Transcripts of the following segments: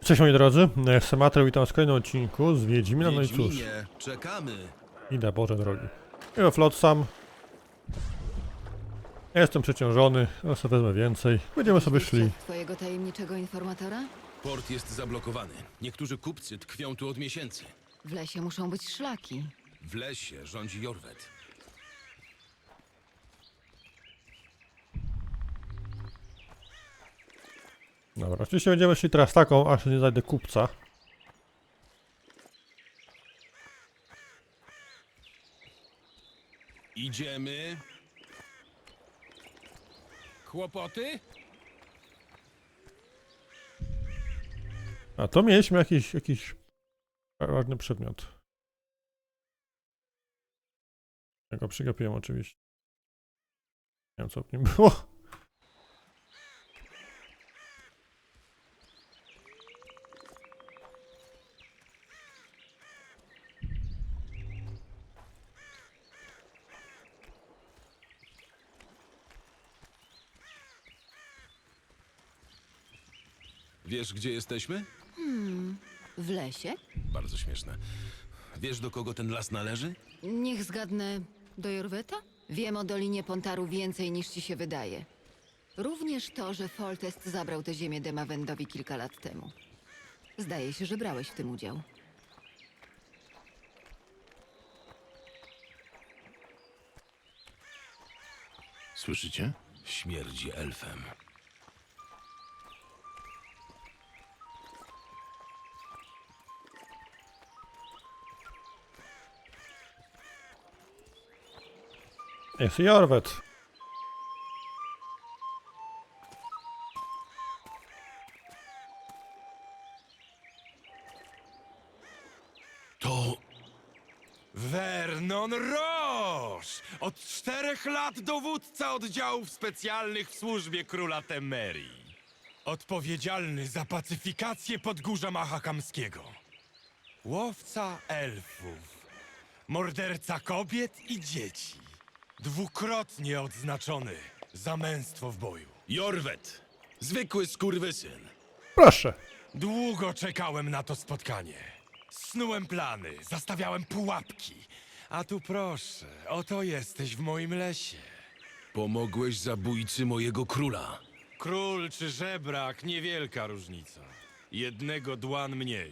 Cześć moi drodzy, jestem Mateusz, witam w kolejnym odcinku z Wiedźmina, no i cóż, Wiedźminie, czekamy. idę, Boże drogi. Ja Flotsam. Ja jestem przeciążony, ale sobie wezmę więcej. Będziemy sobie szli. Twojego tajemniczego informatora? Port jest zablokowany. Niektórzy kupcy tkwią tu od miesięcy. W lesie muszą być szlaki. W lesie rządzi Jorwet. Dobra, oczywiście będziemy szli teraz taką, aż nie znajdę kupca. Idziemy. Kłopoty? A to mieliśmy jakiś ważny przedmiot. Ja go przegapiłem oczywiście. Nie wiem co w nim było. Wiesz, gdzie jesteśmy? W lesie? Bardzo śmieszne. Wiesz, do kogo ten las należy? Niech zgadnę, do Jorweta? Wiem o Dolinie Pontaru więcej niż ci się wydaje. Również to, że Foltest zabrał tę ziemię Demawendowi kilka lat temu. Zdaje się, że brałeś w tym udział. Słyszycie? Śmierdzi elfem. Jest Jorwet. To Vernon Roche! Od 4 lat dowódca oddziałów specjalnych w służbie króla Temerii. Odpowiedzialny za pacyfikację Podgórza Mahakamskiego. Łowca elfów. Morderca kobiet i dzieci. Dwukrotnie odznaczony za męstwo w boju. Jorwet. Zwykły skurwysyn. Proszę. Długo czekałem na to spotkanie. Snułem plany, zastawiałem pułapki. A tu proszę, oto jesteś w moim lesie. Pomogłeś zabójcy mojego króla. Król czy żebrak, niewielka różnica. Jednego dłan mniej.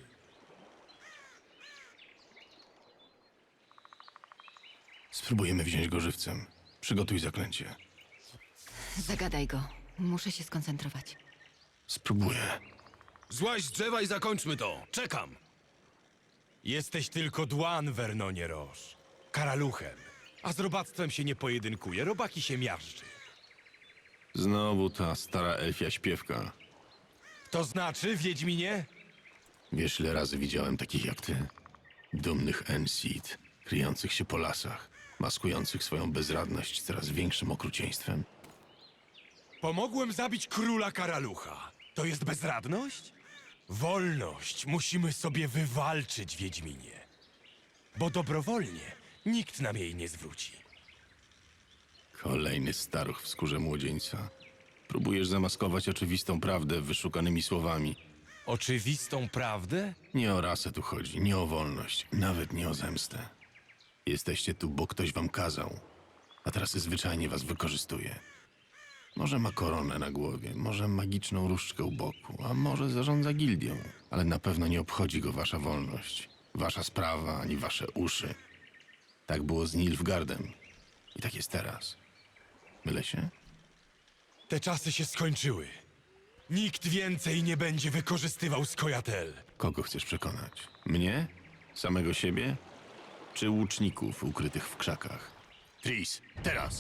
Spróbujemy wziąć go żywcem. Przygotuj zaklęcie. Zagadaj go. Muszę się skoncentrować. Spróbuję. Złaź z drzewa i zakończmy to. Czekam. Jesteś tylko dłan, Vernonie Roche. Karaluchem. A z robactwem się nie pojedynkuje, robaki się miażdży. Znowu ta stara elfia śpiewka. To znaczy, Wiedźminie? Wiesz, ile razy widziałem takich jak ty? Dumnych Enseed, kryjących się po lasach, maskujących swoją bezradność coraz większym okrucieństwem. Pomogłem zabić króla Karalucha. To jest bezradność? Wolność musimy sobie wywalczyć, Wiedźminie. Bo dobrowolnie nikt nam jej nie zwróci. Kolejny staruch w skórze młodzieńca. Próbujesz zamaskować oczywistą prawdę wyszukanymi słowami. Oczywistą prawdę? Nie o rasę tu chodzi, nie o wolność, nawet nie o zemstę. Jesteście tu, bo ktoś wam kazał, a teraz zwyczajnie was wykorzystuje. Może ma koronę na głowie, może magiczną różdżkę u boku, a może zarządza gildią, ale na pewno nie obchodzi go wasza wolność, wasza sprawa, ani wasze uszy. Tak było z Nilfgaardem i tak jest teraz. Mylę się? Te czasy się skończyły. Nikt więcej nie będzie wykorzystywał Skojatel. Kogo chcesz przekonać? Mnie? Samego siebie? Czy łuczników ukrytych w krzakach? Tris, teraz!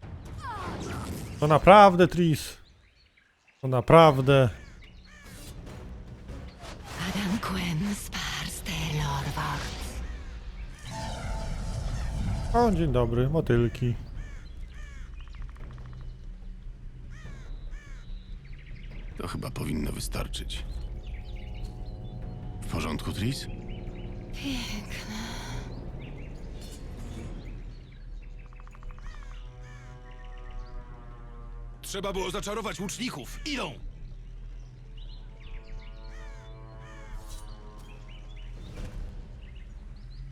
To naprawdę, Tris. To naprawdę. Adam Quen Sparstelorwacht. O, dzień dobry, motylki. To chyba powinno wystarczyć. W porządku, Tris? Trzeba było zaczarować łuczników. Idą!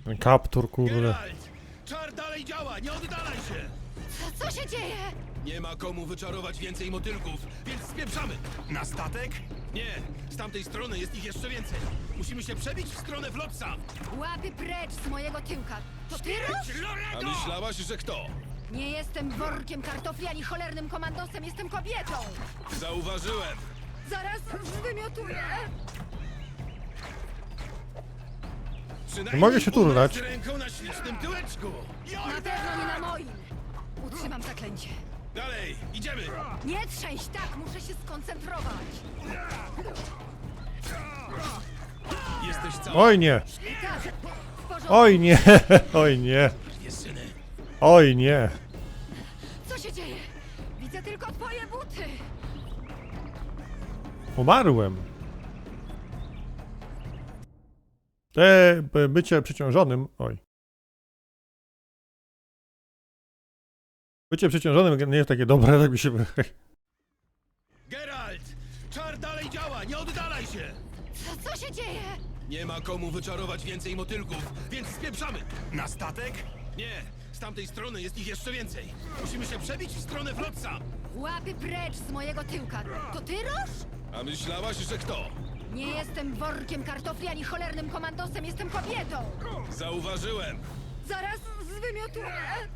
Ten kaptur, kurde. Geralt! Czar dalej działa, nie oddalaj się! Co się dzieje? Nie ma komu wyczarować więcej motylków, więc spieprzamy! Na statek? Nie, z tamtej strony jest ich jeszcze więcej. Musimy się przebić w stronę Flotsa. Łapy precz z mojego tyłka. To ty, Rusz? A myślałaś, że kto? Nie jestem workiem kartofli ani cholernym komandosem, jestem kobietą. Zauważyłem. Zaraz zwymiotuję. Przynajmniej mogę się turlać. umrę z ręką na ślicznym tyłeczku. Na pewno nie na moim. Utrzymam zaklęcie. Dalej, idziemy. Nie trzęść, tak, muszę się skoncentrować. Jesteś cały. Oj nie! Tak, w porządku. Oj nie! Oj nie! Syny. Oj nie! Co się dzieje? Widzę tylko twoje buty. Umarłem. Bycie przeciążonym... Oj. Bycie przeciążonym nie jest takie dobre, tak mi się wydaje. Geralt! Czar dalej działa, nie oddalaj się! Co się dzieje? Nie ma komu wyczarować więcej motylków, więc spieprzamy! Na statek? Nie, z tamtej strony jest ich jeszcze więcej. Musimy się przebić w stronę Flotsa. Łapy precz z mojego tyłka. To ty, Roż? A myślałaś, że kto? Nie jestem workiem kartofli ani cholernym komandosem, jestem kobietą. Zauważyłem. Zaraz zwymiotuję.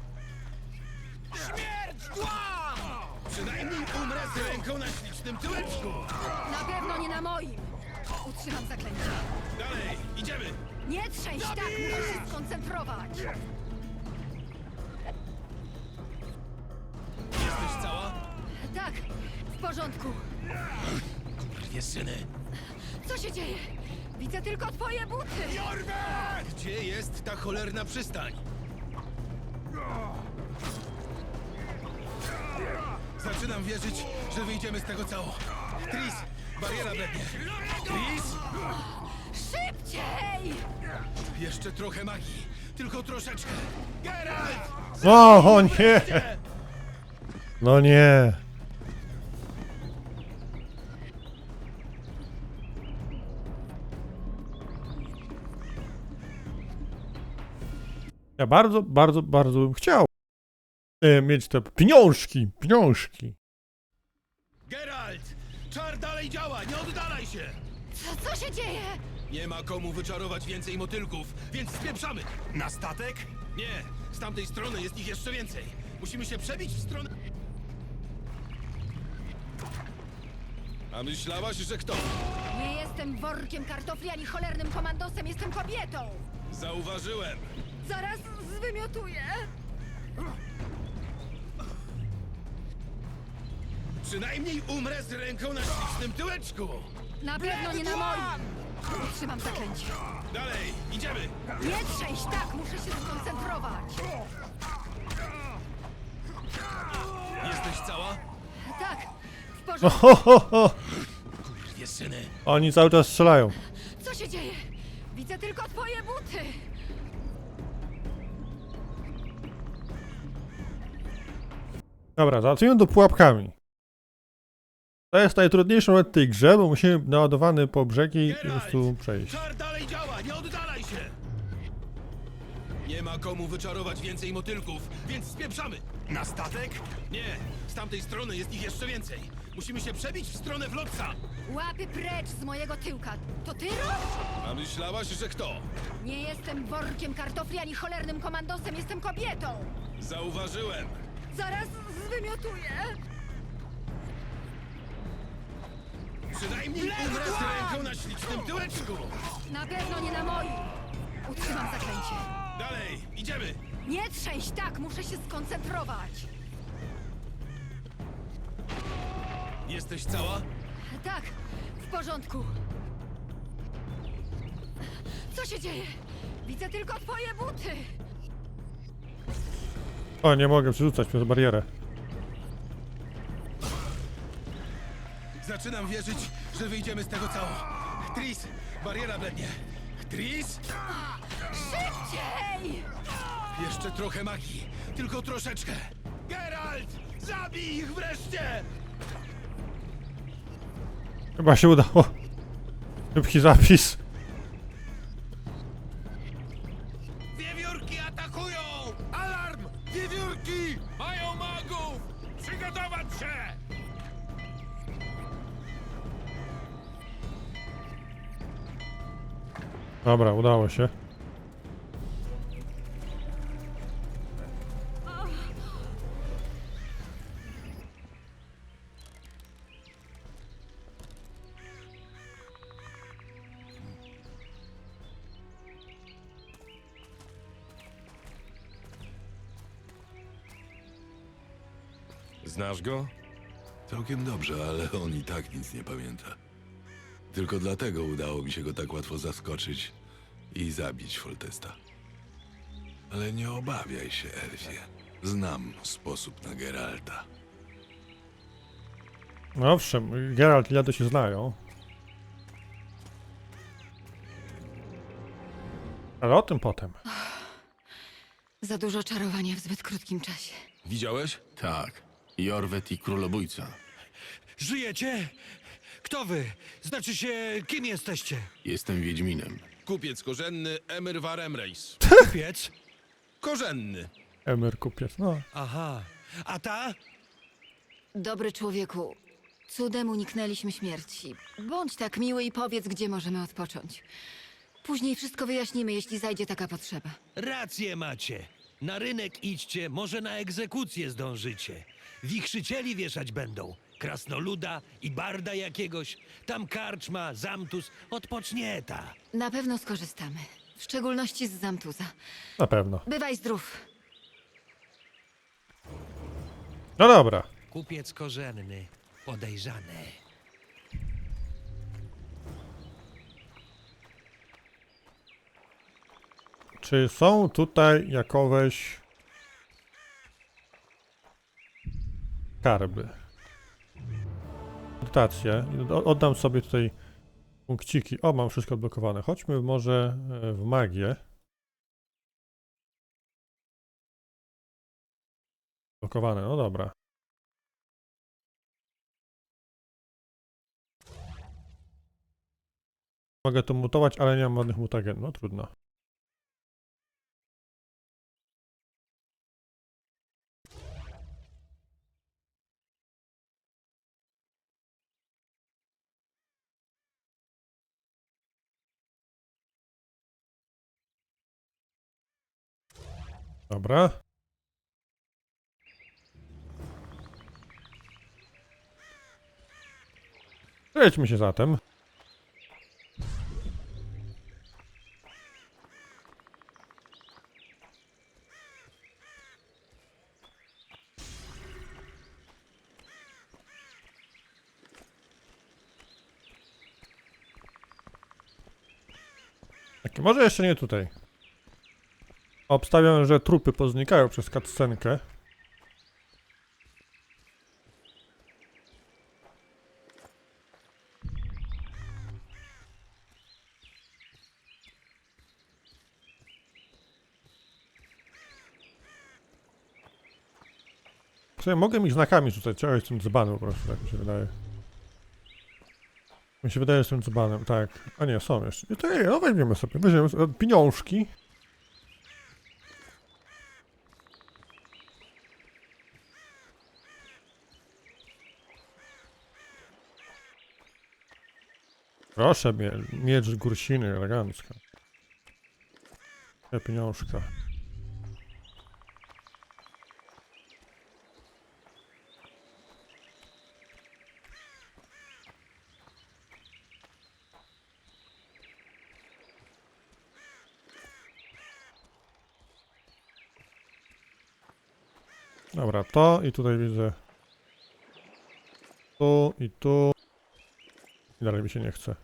Śmierć dla! Przynajmniej umrę z ręką na ślicznym tyłeczku. Na pewno nie na moim. Utrzymam zaklęcie. Dalej, idziemy. Nie trzęść, tak, muszę się skoncentrować. Jesteś cała? Tak, w porządku. Dwie syny. Co się dzieje? Widzę tylko twoje buty. Gdzie jest ta cholerna przystań? Zaczynam wierzyć, że wyjdziemy z tego cało. Tris, bariera blednie. Tris, Szybciej! jeszcze trochę magii. Tylko troszeczkę. Geralt! O nie! No nie! Ja bardzo, bardzo, bardzo bym chciał mieć te pieniążki. Geralt! Czar dalej działa, nie oddalaj się! Co się dzieje? Nie ma komu wyczarować więcej motylków, więc spieprzamy! Na statek? Nie, z tamtej strony jest ich jeszcze więcej. Musimy się przebić w stronę... A myślałaś, że kto? Nie jestem workiem kartofli ani cholernym komandosem, jestem kobietą. Zauważyłem. Zaraz zwymiotuję. Przynajmniej umrę z ręką na ślicznym tyłeczku. Na pewno nie na moim. Utrzymam zaklęcie. Dalej, idziemy. Nie trzęść, tak, muszę się skoncentrować. Jesteś cała? Tak, w No, porządku. ho, ho, ho. Dwie syny. Oni cały czas strzelają. Co się dzieje? Widzę tylko twoje buty. Dobra, załatwimy to pułapkami. To jest najtrudniejszy moment w tej grze, bo musimy naładowany po brzegi po prostu przejść. Czar dalej działa, nie oddalaj się! Nie ma komu wyczarować więcej motylków, więc spieprzamy! Na statek? Nie, z tamtej strony jest ich jeszcze więcej. Musimy się przebić w stronę Flotsa. Łapy precz z mojego tyłka. To ty, Roż? A myślałaś, że kto? Nie jestem workiem kartofli ani cholernym komandosem, jestem kobietą. Zauważyłem. Zaraz zwymiotuję. Przynajmniej umrę z ręką na ślicznym tyłeczku. Na pewno nie na moim. Utrzymam zaklęcie. Dalej, idziemy. Nie trzęść, tak, muszę się skoncentrować. Jesteś cała? Tak, w porządku. Co się dzieje? Widzę tylko twoje buty. O, nie mogę przerzucać przez barierę. Zaczynam wierzyć, że wyjdziemy z tego cało. Tris, bariera blednie. Tris, Szybciej! jeszcze trochę magii. Tylko troszeczkę. Geralt, zabij ich wreszcie! Chyba się udało. Szybki zapis. Dobra, udało się. Znasz go? Całkiem dobrze, ale on i tak nic nie pamięta. Tylko dlatego udało mi się go tak łatwo zaskoczyć i zabić Foltesta. Ale nie obawiaj się, Elfie. Znam sposób na Geralta. No owszem, Geralt i Lado się znają. Ale o tym potem. Za dużo czarowania w zbyt krótkim czasie. Widziałeś? Tak. Jorwet i królobójca. Żyjecie? Kto wy? Znaczy się, kim jesteście? Jestem Wiedźminem. Kupiec korzenny Emir Varemreis. Kupiec? Korzenny. Emer kupiec, no. Aha. A ta? Dobry człowieku, cudem uniknęliśmy śmierci. Bądź tak miły i powiedz, gdzie możemy odpocząć. Później wszystko wyjaśnimy, jeśli zajdzie taka potrzeba. Rację macie. Na rynek idźcie, może na egzekucję zdążycie. Wichrzycieli wieszać będą. Krasnoluda i barda jakiegoś. Tam karczma, zamtus, odpocznie ta. Na pewno skorzystamy. W szczególności z Zamtuza. Na pewno. Bywaj zdrów. No dobra. Kupiec korzenny, podejrzany. Czy są tutaj jakoweś skarby? Dotacje. Oddam sobie tutaj punkciki. O, mam wszystko odblokowane. Chodźmy może w magię. Blokowane, no dobra. Mogę to mutować, ale nie mam ładnych mutagen. No trudno. Dobra. Przejdźmy się zatem. Tak, może jeszcze nie tutaj. Obstawiam, że trupy poznikają przez cutscenkę. W sumie mogę mi znakami rzucać, trzeba jestem dzbanem po prostu, tak mi się wydaje. Mi się wydaje, że jestem dzbanem, tak. A nie, są jeszcze. To nie, no weźmiemy sobie, weźmiemy sobie pieniążki. Proszę, miecz Gursiny, elegancko. Te pieniążka. Dobra, to i tutaj widzę. Tu i tu. I dalej mi się nie chce.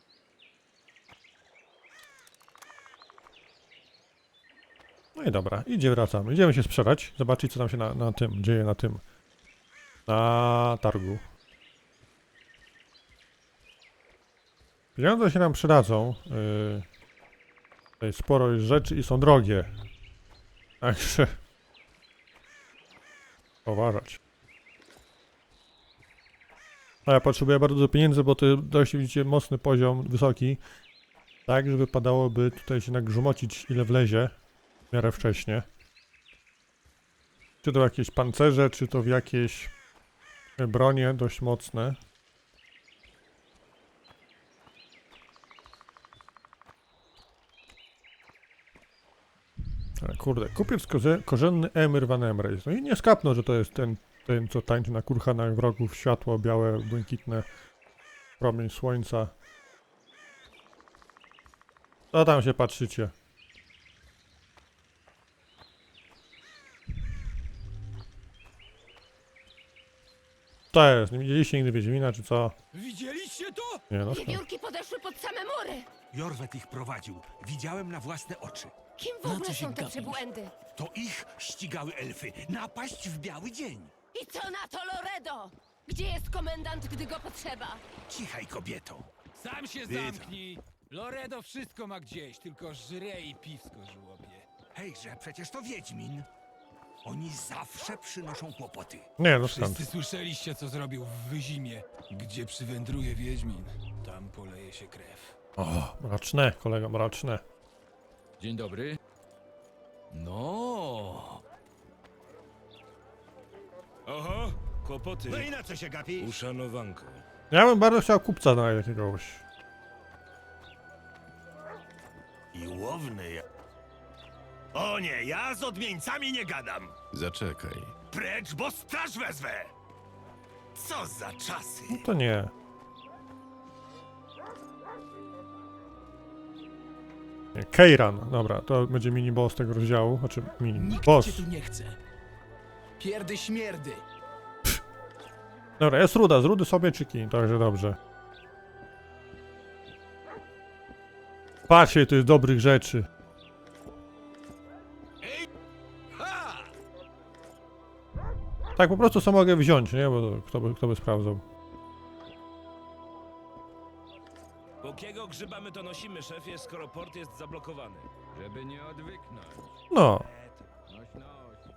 No i dobra, wracamy. Idziemy się sprzedać, zobaczyć co tam się na tym dzieje, na targu. Pieniądze się nam przydadzą. Tutaj sporo jest rzeczy i są drogie. Także uważać. A ja potrzebuję bardzo dużo pieniędzy, bo to dość widzicie mocny poziom, wysoki. Tak, żeby wypadałoby tutaj się nagrzmocić ile wlezie. W miarę wcześnie. Czy to w jakieś pancerze, czy to w jakieś bronie dość mocne. Ale kurde, kupiec korzenny Emir van Emreis. No i nie skapnął, że to jest ten co tańczy na kurhanach wrogów, światło białe, błękitne, promień słońca. Co tam się patrzycie? To jest, nie widzieliście nigdy Wiedźmina, czy co? Widzieliście to? Nie no, Wiewiórki podeszły pod same mury! Jorwet ich prowadził. Widziałem na własne oczy. Kim w ogóle są te przybłędy? To ich ścigały elfy. Napaść w biały dzień. I co na to, Loredo? Gdzie jest komendant, gdy go potrzeba? Cichaj, kobieto. Sam się zamknij! Loredo wszystko ma gdzieś, tylko żre i piwsko żłobie. Hejże, przecież to Wiedźmin. Oni zawsze przynoszą kłopoty. nie no skąd? Wszyscy słyszeliście, co zrobił w Wyzimie. Gdzie przywędruje Wiedźmin, tam poleje się krew. O, mroczne, kolego, mroczne. Dzień dobry. No. Oho, kłopoty. No i na co się gapisz? Uszanowanko. Ja bym bardzo chciał kupca znaleźć jakiegoś. I łowny ja. O nie, ja z odmieńcami nie gadam. Zaczekaj. Precz, bo straż wezwę. Co za czasy. No to nie. Nie, Keiran, dobra, to będzie mini boss tego rozdziału, znaczy mini boss. nie chce. Pierdy śmierdy. Dobra, jest ruda, z rudy sobie czyki, także dobrze. Patrzcie, to jest dobrych rzeczy. Tak po prostu co mogę wziąć, nie? Bo to kto by sprawdzał. Jakiego grzyba my to nosimy, szefie, skoro port jest zablokowany? Żeby nie odwyknąć. No, Noś, noś.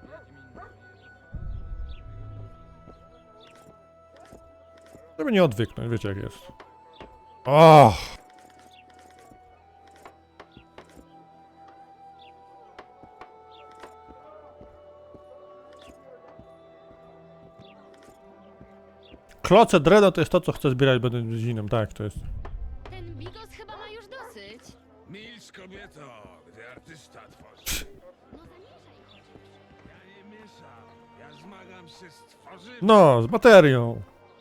żeby nie odwyknąć, wiecie jak jest. O! Kloce dreno to jest to, co chcę zbierać będę zinem, tak, to jest. Ten bigos chyba ma już dosyć. Milcz, kobieto, gdy artysta tworzy. No zamierzaj chociaż. Ja nie mieszam, ja zmagam się z tworzywem. No, z baterią.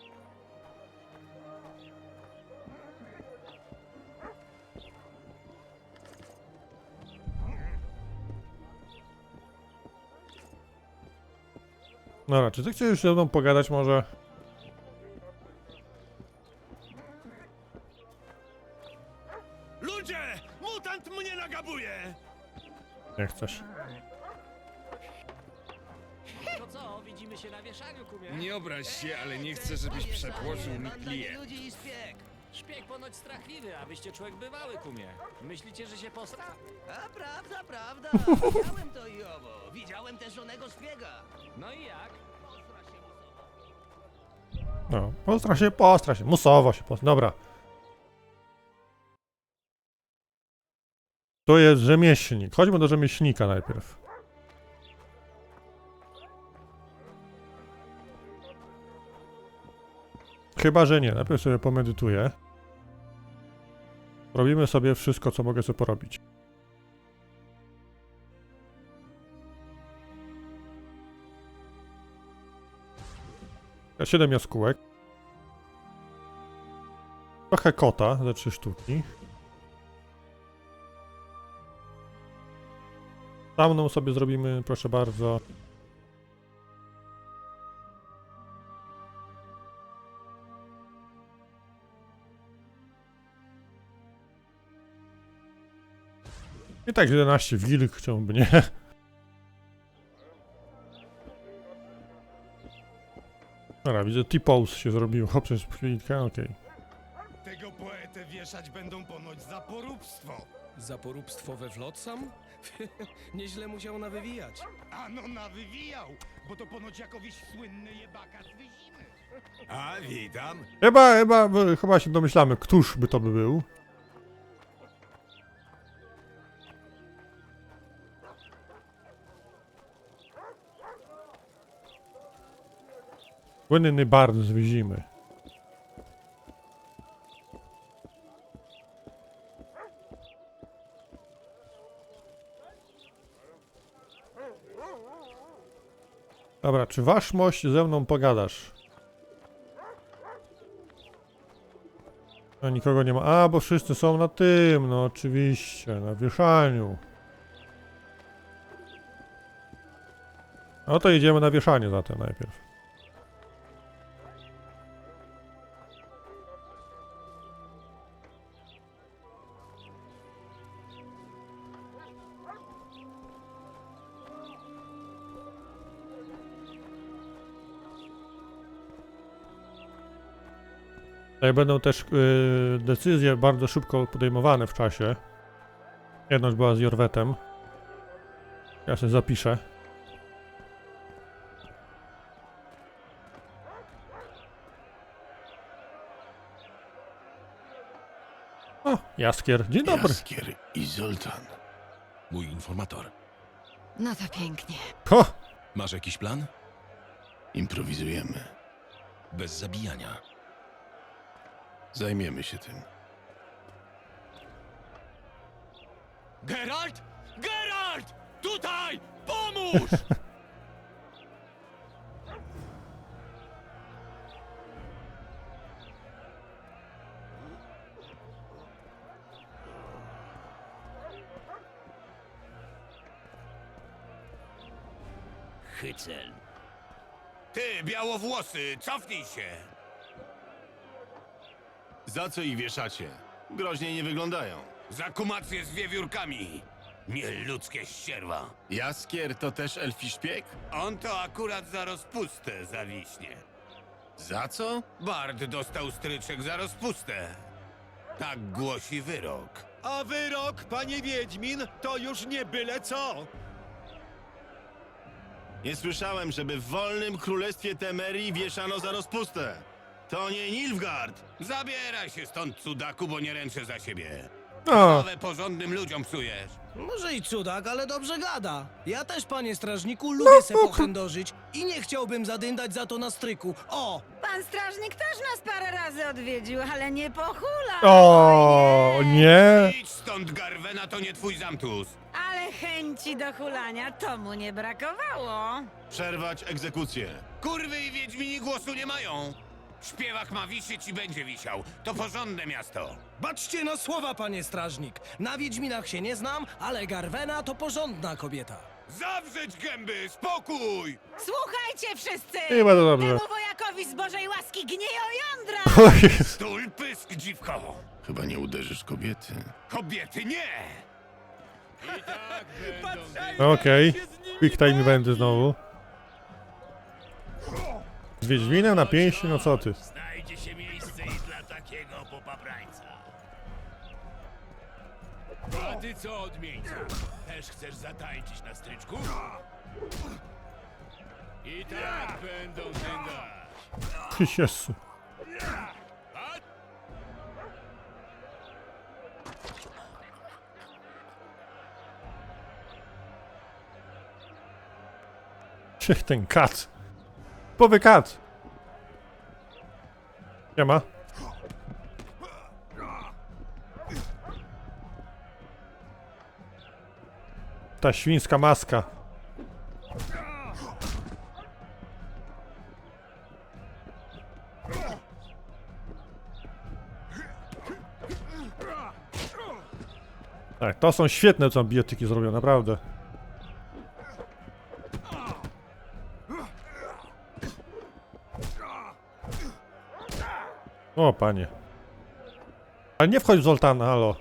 Dobra, czy ty chcesz już ze mną pogadać może? Ludzie! Mutant mnie nagabuje! Nie chcesz. To co, widzimy się na wieszaniu, kumie? Nie obraź się, ale nie chcę, żebyś przepłoczył mi klient. ludzi i szpieg. Szpieg ponoć strachliwy, a wyście człowiek bywały, kumie. Myślicie, że się postra? A prawda, prawda. Widziałem to i owo. Widziałem też żonego szpiega. No i jak? No, postra się, musowo się postra. Dobra. To jest rzemieślnik. Chodźmy do rzemieślnika najpierw. Chyba, że nie. Najpierw sobie pomedytuję. Robimy sobie wszystko, co mogę sobie porobić. Ja 7 jaskółek. Trochę kota za 3 sztuki. Tamną sobie zrobimy, proszę bardzo. I tak 11 wilk, chciałby nie. Dobra, widzę T-pose się zrobiło przez chwilkę, okej. Tego poetę wieszać będą ponoć za poróbstwo. Za poróbstwo we Flotsam? Nieźle musiał nawywijać. Ano nawywijał, bo to ponoć jakoś słynny jebaka z Wyzimy. A, witam. Chyba się domyślamy, któż by to był. Słynny bard z Wyzimy. Dobra, czy wasz mość ze mną pogadasz? No nikogo nie ma. A, bo wszyscy są na tym, no oczywiście, na wieszaniu. No to idziemy na wieszanie zatem najpierw. Tutaj będą też decyzje bardzo szybko podejmowane w czasie. Jedna już była z Jorwetem. Ja sobie zapiszę. O, Jaskier. Dzień dobry. Jaskier i Zoltan. Mój informator. No to pięknie. Ho! Masz jakiś plan? Improwizujemy. Bez zabijania. Zajmiemy się tym. Geralt? Geralt! Tutaj! Pomóż! Hycel. Ty, białowłosy, cofnij się! Za co ich wieszacie? Groźnie nie wyglądają. Za kumację z wiewiórkami! Nieludzkie ścierwa! Jaskier to też elfi szpieg? On to akurat za rozpustę zawiśnie. Za co? Bard dostał stryczek za rozpustę. Tak głosi wyrok. A wyrok, panie Wiedźmin, to już nie byle co. Nie słyszałem, żeby w wolnym królestwie Temerii wieszano za rozpustę. To nie Nilfgaard. Zabieraj się stąd, cudaku, bo nie ręczę za siebie. O, Nowe porządnym ludziom psujesz. Może i cudak, ale dobrze gada. Ja też, panie strażniku, lubię se pochędożyć i nie chciałbym zadyndać za to na stryku. O! Pan strażnik też nas parę razy odwiedził, ale nie pochula. o nie! Idź stąd, Garwena, to nie twój zamtus. Ale chęci do hulania to mu nie brakowało. Przerwać egzekucję. Kurwy i wiedźmini głosu nie mają. Śpiewak ma wisieć i będzie wisiał. To porządne miasto. Baczcie na słowa, panie strażnik. Na Wiedźminach się nie znam, ale Garwena to porządna kobieta. Zawrzeć gęby, spokój! Słuchajcie wszyscy! I bardzo dobrze. Temu wojakowi z Bożej łaski gnieją jądra! O Jezu. Stul pysk, dziwko! Chyba nie uderzysz kobiety. Kobiety nie! Okej. Quick time będę znowu. Z Wiedźminem na pięści, no co ty? Znajdzie się miejsce i dla takiego popaprańca. A ty co, odmieńcu? Też chcesz zatańczyć na stryczku? I tak będą dyndać. Ty Jezu. Ciech ten kat. Powy kat. Nie ma. Ta świńska maska. Tak, to są świetne co biotyki zrobią, naprawdę. O, panie. Ale nie wchodź w Zoltana, halo.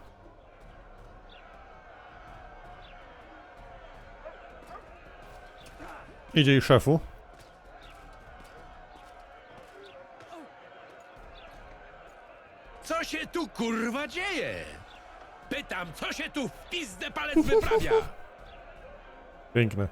Idzie i szefu. Co się tu kurwa dzieje? Pytam, co się tu w pizdę palec wyprawia? Piękne.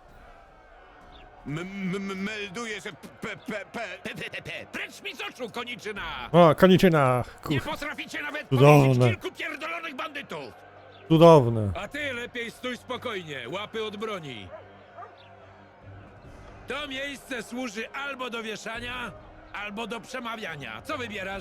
Melduję, że Precz mi z oczu, koniczyna! O, koniczyna. Nie Kur... potraficie nawet Cudowne. powiedzieć kilku pierdolonych bandytów! Cudowne. A ty lepiej stój spokojnie, łapy od broni. To miejsce służy albo do wieszania, albo do przemawiania. Co wybierasz?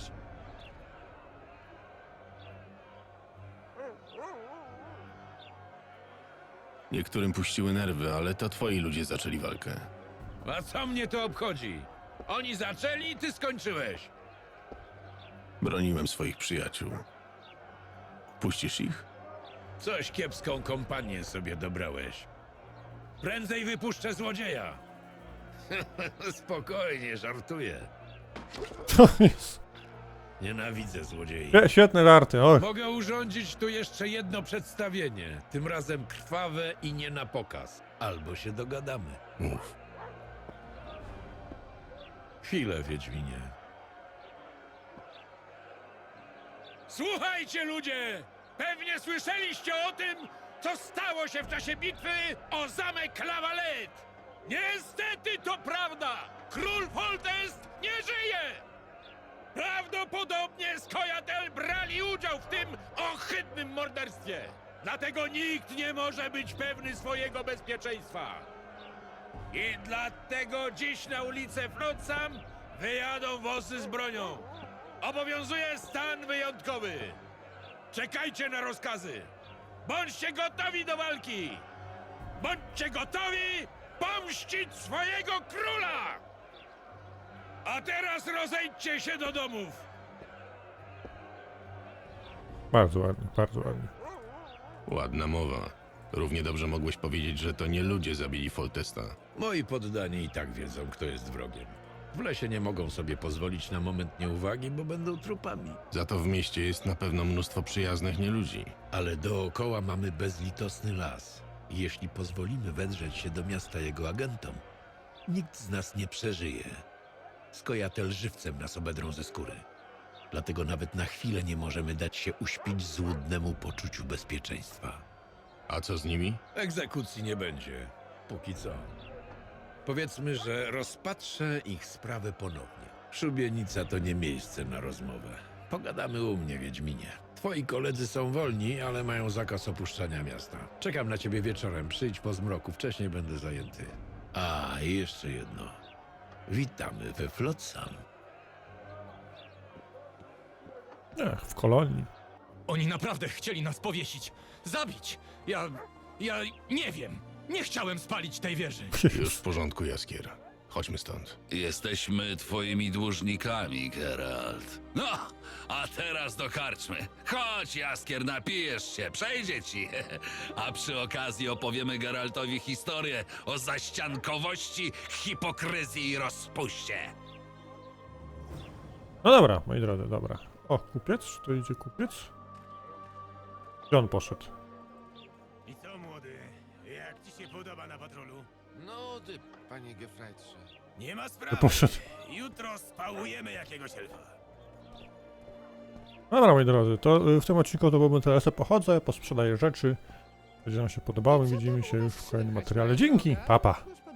Niektórym puściły nerwy, ale to twoi ludzie zaczęli walkę. A co mnie to obchodzi? Oni zaczęli i ty skończyłeś. Broniłem swoich przyjaciół. Puścisz ich? Coś kiepską kompanię sobie dobrałeś. Prędzej wypuszczę złodzieja. Spokojnie, żartuję. To jest... Nienawidzę złodziei. Świetne żarty, oj. Mogę urządzić tu jeszcze jedno przedstawienie. Tym razem krwawe i nie na pokaz. Albo się dogadamy. Mów. Chwilę, Wiedźminie. Słuchajcie, ludzie! Pewnie słyszeliście o tym, co stało się w czasie bitwy o zamek Lavalette! Niestety to prawda! Król Foltest nie żyje! Prawdopodobnie Skojatel brali udział w tym ohydnym morderstwie! Dlatego nikt nie może być pewny swojego bezpieczeństwa! I dlatego dziś na ulicę Flotsam wyjadą wozy z bronią. Obowiązuje stan wyjątkowy. Czekajcie na rozkazy. Bądźcie gotowi do walki. Bądźcie gotowi pomścić swojego króla. A teraz rozejdźcie się do domów. Bardzo ładnie, bardzo ładnie. Ładna mowa. Równie dobrze mogłeś powiedzieć, że to nie ludzie zabili Foltesta. Moi poddani i tak wiedzą, kto jest wrogiem. W lesie nie mogą sobie pozwolić na moment nieuwagi, bo będą trupami. Za to w mieście jest na pewno mnóstwo przyjaznych nieludzi. Ale dookoła mamy bezlitosny las. I jeśli pozwolimy wedrzeć się do miasta jego agentom, nikt z nas nie przeżyje. Skojatel żywcem nas obedrą ze skóry. Dlatego nawet na chwilę nie możemy dać się uśpić złudnemu poczuciu bezpieczeństwa. A co z nimi? Egzekucji nie będzie. Póki co. Powiedzmy, że rozpatrzę ich sprawę ponownie. Szubienica to nie miejsce na rozmowę. Pogadamy u mnie, Wiedźminie. Twoi koledzy są wolni, ale mają zakaz opuszczania miasta. Czekam na ciebie wieczorem. Przyjdź po zmroku. Wcześniej będę zajęty. A, i jeszcze jedno. Witamy we Flotsam. Ech, w kolonii. Oni naprawdę chcieli nas powiesić. Zabić. Ja nie wiem. Nie chciałem spalić tej wieży. Już w porządku, Jaskier. Chodźmy stąd. Jesteśmy twoimi dłużnikami, Geralt. No, a teraz do karczmy. Chodź, Jaskier, napijesz się, przejdzie ci. A przy okazji opowiemy Geraltowi historię o zaściankowości, hipokryzji i rozpuście. No dobra, moi drodzy, dobra. O, kupiec? Czy to idzie kupiec? Gdzie on poszedł? I co, młody? Jak ci się podoba na patrolu? No ty, panie Gefreitsze. Nie ma sprawy. Poszedł. Jutro spałujemy jakiegoś elfa. Dobra, moi drodzy, to w tym odcinku to byłbym teraz pochodzę, posprzedaję rzeczy. Będzie nam się podobały, widzimy się już w kolejnym materiale. Dzięki, papa. Pa.